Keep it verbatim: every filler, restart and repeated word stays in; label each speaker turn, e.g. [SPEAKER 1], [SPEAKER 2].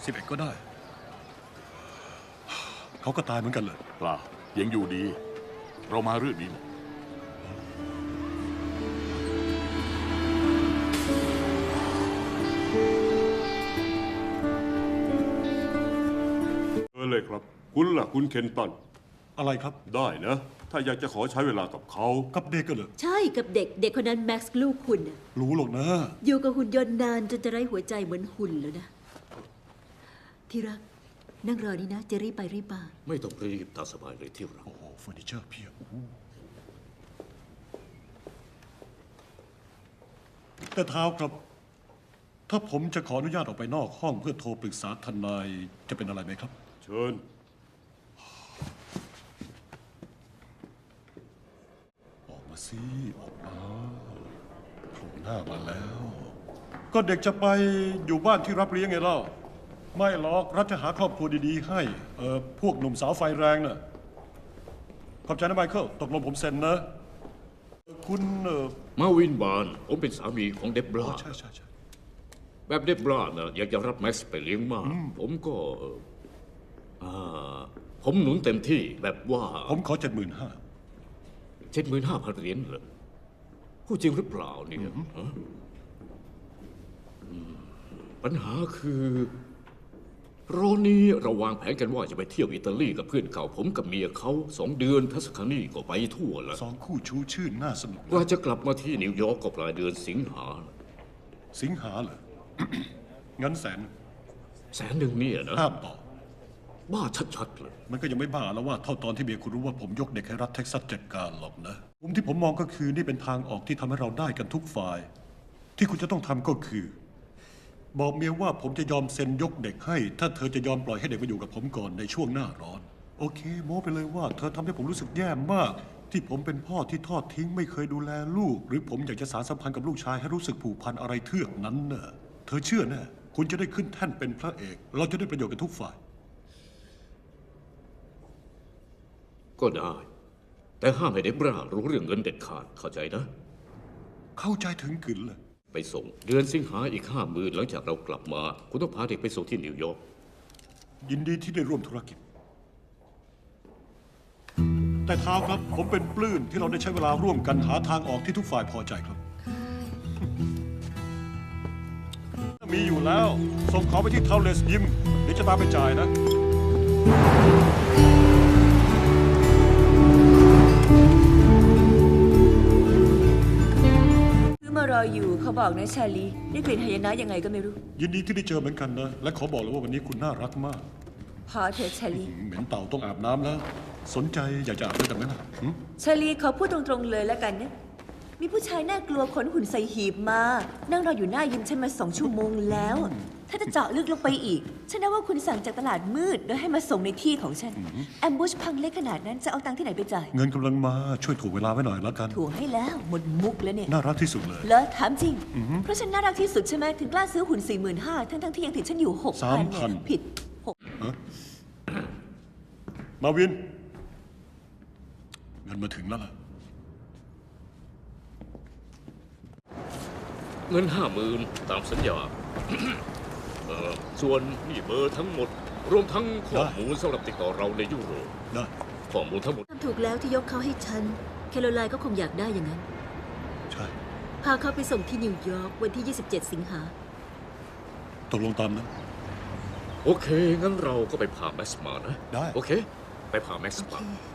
[SPEAKER 1] สิบเอ็ดก็ได้เขาก็ตายเหมือนกันเลย
[SPEAKER 2] เปล่ายังอยู่ดี เรามาเรื่องนี้
[SPEAKER 3] เออเลยครับคุณล่ะคุณเคนตัน
[SPEAKER 1] อะไรครับ
[SPEAKER 3] ได้นะ ถ้าอยากจะขอใช้เวลากับเขา
[SPEAKER 1] กับเด็กก็เลย
[SPEAKER 4] ใช่กับเด็กเด็กคนนั้นแม็กซ์ลูกคุณน่ะ
[SPEAKER 1] รู้หรอกนะ
[SPEAKER 4] อยู่กับหุ่นยนต์นานจนจะไร้หัวใจเหมือนหุ่นแล้วนะที่รักนั่งรอนี่นะจะรีบไปรีบมา
[SPEAKER 5] ไม่ต้องรีบตามสบายเลยที่รัก
[SPEAKER 1] โอ้โหเฟอร์นิเจอร์เพียบแต่เท้าครับถ้าผมจะขออนุญาตออกไปนอกห้องเพื่อโทรปรึกษาทนายจะเป็นอะไรไหมครับ
[SPEAKER 3] เชิญ
[SPEAKER 1] ออกมาสิออกมาโผล่หน้ามาแล้ว ก็เด็กจะไปอยู่บ้านที่รับเลี้ยงไงเล่าไม่หรอกรัฐจะหาครอบครัวดีๆให้เออพวกหนุ่มสาวไฟแรงน่ะขอบใจนะไมเคิลตกลงผมเซ็นนะคุณเออ
[SPEAKER 5] มาวินบานผมเป็นสามีของเดบรา
[SPEAKER 1] ใช่ใช่ใช่
[SPEAKER 5] แบบเดบรานะอยากจะรับแม็กซ์ไปเลี้ยงมากผมก็อ่าผมหนุนเต็มที่แบบว่า
[SPEAKER 1] ผมขอเจ็ดหมื่นห้า
[SPEAKER 5] เจ็ดหมื่นห้าพันเหรียญเหรอพูดจริงหรือเปล่าเนี่ยปัญหาคือโรนี้เราวางแผนกันว่าจะไปเที่ยวอิตาลีกับเพื่อนเก่าผมกับเมียเขาสองเดือนทัศคานีก็ไปทั่วแล้ว
[SPEAKER 1] สองคู่ชูชื่นน่าสนุก
[SPEAKER 5] กว่าจะกลับมาที่นิวยอร์กก็ปลายเดือนสิงหา
[SPEAKER 1] สิงหาเหรอ งั้นแสน
[SPEAKER 5] แสนหนึ่งเนี่ยนะ
[SPEAKER 1] ห้ามต่อ
[SPEAKER 5] บ้าชัดๆเลย
[SPEAKER 1] มันก็ยังไม่บ้าแล้วว่าเท่าตอนที่เมียคุณรู้ว่าผมยกเด็กให้รัฐเท็กซัสจัดการหรอกนะมุมที่ผมมองก็คือนี่เป็นทางออกที่ทำให้เราได้กันทุกฝ่ายที่คุณจะต้องทำก็คือบอกเมียว่าผมจะยอมเซ็นยกเด็กให้ถ้าเธอจะยอมปล่อยให้เด็กมาอยู่กับผมก่อนในช่วงหน้าร้อนโอเคโม้ไปเลยว่าเธอทำให้ผมรู้สึกแย่มากที่ผมเป็นพ่อที่ทอดทิ้งไม่เคยดูแลลูกหรือผมอยากจะสานสัมพันธ์กับลูกชายให้รู้สึกผูกพันอะไรเทือกนั้นเนอะเธอเชื่อแน่คุณจะได้ขึ้นแท่นเป็นพระเอกเราจะได้ประโยชน์กันทุกฝ่าย
[SPEAKER 5] ก็ได้แต่ห้ามให้เดบรารู้เรื่องเงินเด็ดขาดเข้าใจนะ
[SPEAKER 1] เข้าใจถึงกึ่นเลย
[SPEAKER 5] ไปส่งเดือนสิงหาอีกห้าหมื่นหลังจากเรากลับมาคุณต้องพาเด็กไปส่งที่นิวยอร์ก
[SPEAKER 1] ยินดีที่ได้ร่วมธุรกิจแต่เท้าครับผมเป็นปลื้มที่เราได้ใช้เวลาร่วมกันหาทางออกที่ทุกฝ่ายพอใจครับมีอยู่แล้วส่งเขาไปที่เทาเลสยิมเดี๋ยวจะตามไปจ่ายนะ
[SPEAKER 4] มารออยู่เขาบอกนะชาลีได้กลิ่นหายนะยังไงก็ไม่รู้
[SPEAKER 1] ยินดีที่ได้เจอเหมือนกันนะและขอบอกเลยว่าวันนี้คุณน่ารักมาก
[SPEAKER 4] พอเถอะชาลี
[SPEAKER 1] เหม็นเต่าต้องอาบน้ำแล้วสนใจอยากจะอาบด้วยกันไหมล่ะ
[SPEAKER 4] ชาลีขอพูดตรงๆเลยแล้วกันนะมีผู้ชายน่ากลัวขนหุ่นใส่หีบมานั่งรออยู่หน้ายิมฉันมาสองชั่วโมงแล้วถ้าจะเจาะลึกลงไปอีกฉันน่าว่าคุณสั่งจากตลาดมืดโดยให้มาส่งในที่ของฉันแอมบูชพังเล็กขนาดนั้นจะเอาตังค์ที่ไหนไปจ่าย
[SPEAKER 1] เงินกำลังมาช่วยถ่วงเวลาไว้หน่อยแล้วกัน
[SPEAKER 4] ถ่วงให้แล้วหมดมุกแล้วเนี่ย
[SPEAKER 1] น่ารักที่สุดเลย
[SPEAKER 4] เหรอถามจริงเพราะฉันน่ารักที่สุดใช่ไหมถึงกล้าซื้อหุ่นสี่หมื่นห้าทั้งทั้งที่ยังติดฉันอยู่หกพันเนี่ยผิดหก
[SPEAKER 1] มาวินเงินมาถึงแล้วล่ะ
[SPEAKER 5] เงินห้าหมื่นตามสัญญาส่วนนี่เบอร์ทั้งหมดรวมทั้งข้อมูลสำหรับติดต่อเราในยุโรป
[SPEAKER 1] ได้
[SPEAKER 5] ข้อมูลทั้งหมด
[SPEAKER 4] ทำถูกแล้วที่ยกเขาให้ฉันแคโรไลน์ก็คงอยากได้อย่างนั้น
[SPEAKER 1] ใช่
[SPEAKER 4] พาเขาไปส่งที่นิวยอร์กวันที่ยี่สิบเจ็ดสิงหา
[SPEAKER 1] ตกลงตามนะ
[SPEAKER 5] โอเคงั้นเราก็ไปพาแม็กซ์มานะ
[SPEAKER 1] ได้
[SPEAKER 5] โอเคไปพาแม็กซ์มา